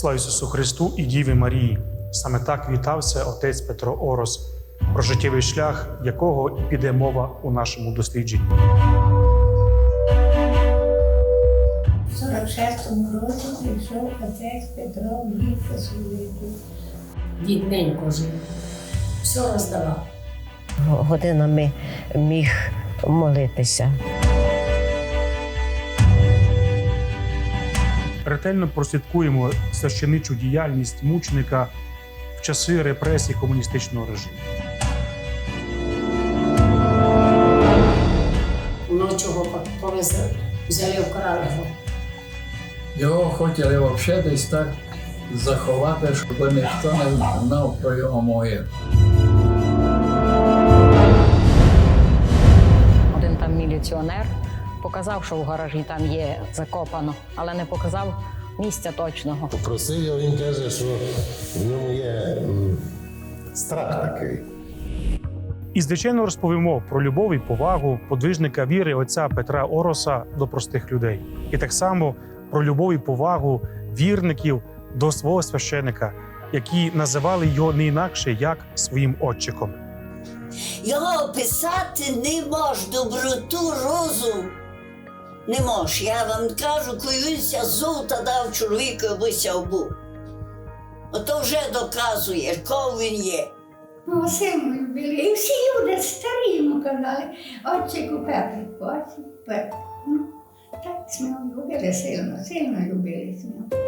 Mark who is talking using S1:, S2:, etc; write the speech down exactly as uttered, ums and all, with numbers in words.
S1: Слава Ісусу Христу і Діві Марії! Саме так вітався отець Петро Орос, про життєвий шлях якого і піде мова у нашому дослідженні.
S2: В сорок шестому році прийшов отець Петро в літ посвятити.
S3: Бідненько жив, все роздавав.
S4: Годинами міг молитися.
S1: Ретельно прослідкуємо священичу діяльність мученика в часи репресій комуністичного режиму.
S3: Вночі його повезли, взяли, вкрали його.
S5: Його хотіли взагалі десь так заховати, щоб ніхто не знав про його могилу.
S6: Один там міліціонер показав, що в гаражі там є закопано, але не показав місця точного.
S7: Попросив його, він каже, що в ньому є м, страх такий.
S1: І, звичайно, розповімо про любов і повагу подвижника віри отця Петра Ороса до простих людей. І так само про любов і повагу вірників до свого священика, які називали його не інакше, як своїм отчиком.
S8: Його описати не мож, доброту, розум не мож. Я вам кажу, коли він ся золота дав чоловіку, аби ся був. Ото вже доказує, кого він є.
S2: Ну, сильно любили. І всі люди старі йому казали, отчику Петрику, отчику Петрику. Ну, так ми його любили сильно, сильно любили ми.